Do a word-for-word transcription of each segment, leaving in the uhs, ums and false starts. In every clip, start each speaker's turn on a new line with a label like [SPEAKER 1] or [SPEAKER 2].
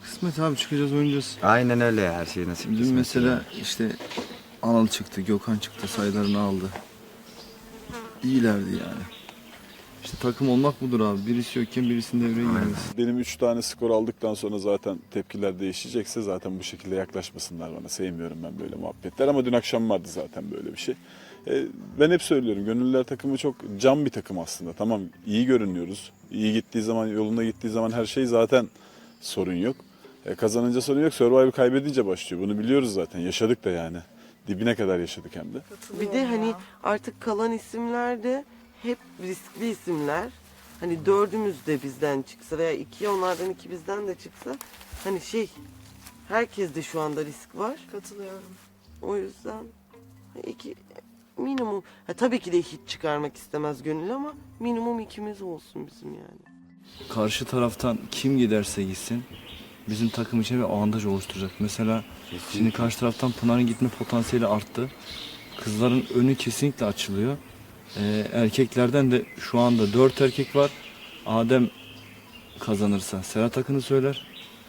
[SPEAKER 1] Kısmet abi, çıkacağız, oynayacağız.
[SPEAKER 2] Aynen öyle ya, her şey nasip
[SPEAKER 1] Dün
[SPEAKER 2] kısmet.
[SPEAKER 1] mesela
[SPEAKER 2] ya.
[SPEAKER 1] işte Anıl çıktı, Gökhan çıktı, sayılarını aldı. İyilerdi yani. İşte takım olmak budur abi. Birisi yokken birisinin devreye girmesi.
[SPEAKER 3] Benim üç tane skor aldıktan sonra zaten tepkiler değişecekse zaten bu şekilde yaklaşmasınlar bana. Sevmiyorum ben böyle muhabbetler ama dün akşam vardı zaten böyle bir şey. E, ben hep söylüyorum, Gönüllüler takımı çok cam bir takım aslında. Tamam, iyi görünüyoruz. İyi gittiği zaman, yolunda gittiği zaman her şey zaten sorun yok. E, kazanınca sorun yok. Survivor kaybedince başlıyor. Bunu biliyoruz zaten. Yaşadık da yani. Dibine kadar yaşadık hem de.
[SPEAKER 4] Bir de hani artık kalan isimler de hep riskli isimler. Hani dördümüz de bizden çıksa veya iki onlardan iki bizden de çıksa hani şey herkeste şu anda risk var.
[SPEAKER 5] Katılıyorum.
[SPEAKER 4] O yüzden iki minimum ha, tabii ki de hiç çıkarmak istemez gönül ama minimum ikimiz olsun bizim yani.
[SPEAKER 1] Karşı taraftan kim giderse gitsin bizim takım için bir avantaj oluşturacak. Mesela şimdi karşı taraftan Pınar'ın gitme potansiyeli arttı. Kızların önü kesinlikle açılıyor. Ee, erkeklerden de şu anda dört erkek var. Adem kazanırsa Serhat Akın'ı söyler.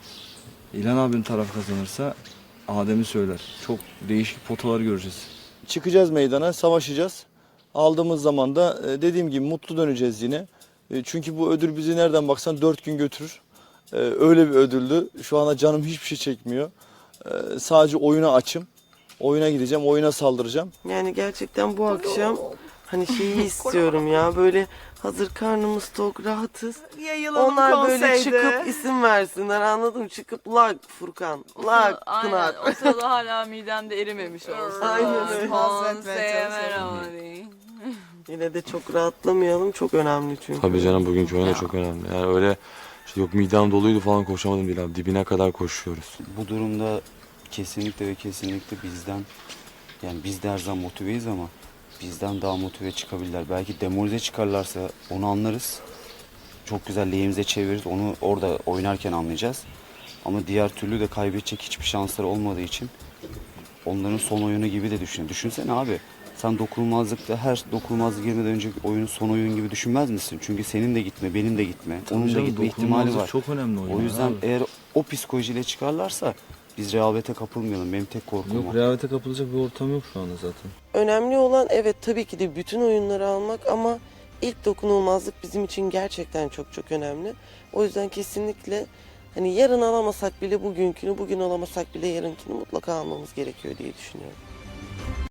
[SPEAKER 1] İlhan abinin taraf kazanırsa Adem'i söyler. Çok değişik potalar göreceğiz. Çıkacağız meydana, savaşacağız. Aldığımız zaman da dediğim gibi mutlu döneceğiz yine. Çünkü bu ödül bizi nereden baksan dört gün götürür. Öyle bir ödüldü. Şu anda canım hiçbir şey çekmiyor. Sadece oyuna açım. Oyuna gideceğim, oyuna saldıracağım.
[SPEAKER 4] Yani gerçekten bu akşam hani şeyi istiyorum ya böyle hazır karnımız tok rahatız.
[SPEAKER 5] Yayılalım
[SPEAKER 4] Onlar böyle
[SPEAKER 5] konseyde.
[SPEAKER 4] çıkıp isim versinler, anladın mı? Çıkıp lak Furkan, lak Pınar.
[SPEAKER 6] Aynen. O sırada hala midemde erimemiş olsun.
[SPEAKER 4] Aynen öyle.
[SPEAKER 6] Konseye merhaba deyin.
[SPEAKER 4] Yine de çok rahatlamayalım, çok önemli çünkü.
[SPEAKER 7] Tabii canım, bugünkü oyun da çok önemli. Yani öyle işte yok midem doluydu falan koşamadım değil abi. Dibine kadar koşuyoruz.
[SPEAKER 8] Bu durumda kesinlikle ve kesinlikle bizden, yani biz de her zaman motiveyiz ama bizden daha motive çıkabilirler. Belki demoralize çıkarlarsa onu anlarız. Çok güzel lehimize çeviririz. Onu orada oynarken anlayacağız. Ama diğer türlü de kaybedecek hiçbir şansları olmadığı için onların son oyunu gibi de düşün. Düşünsene abi. Sen dokunulmazlıkta her dokunulmazlık girmeden önceki oyunu son oyun gibi düşünmez misin? Çünkü senin de gitme, benim de gitme.
[SPEAKER 1] Tabii
[SPEAKER 8] onun da
[SPEAKER 1] canım,
[SPEAKER 8] gitme ihtimali
[SPEAKER 1] dokunulmazlık
[SPEAKER 8] var.
[SPEAKER 1] çok önemli oyun
[SPEAKER 8] O yüzden
[SPEAKER 1] abi.
[SPEAKER 8] eğer o psikolojiyle çıkarlarsa biz rehavete kapılmayalım. Benim tek korkum
[SPEAKER 1] Yok,
[SPEAKER 8] o.
[SPEAKER 1] rehavete kapılacak bir ortam yok şu anda zaten.
[SPEAKER 4] Önemli olan evet tabii ki de bütün oyunları almak ama ilk dokunulmazlık bizim için gerçekten çok çok önemli. O yüzden kesinlikle hani yarın alamasak bile bugünkünü, bugün alamasak bile yarınkini mutlaka almamız gerekiyor diye düşünüyorum.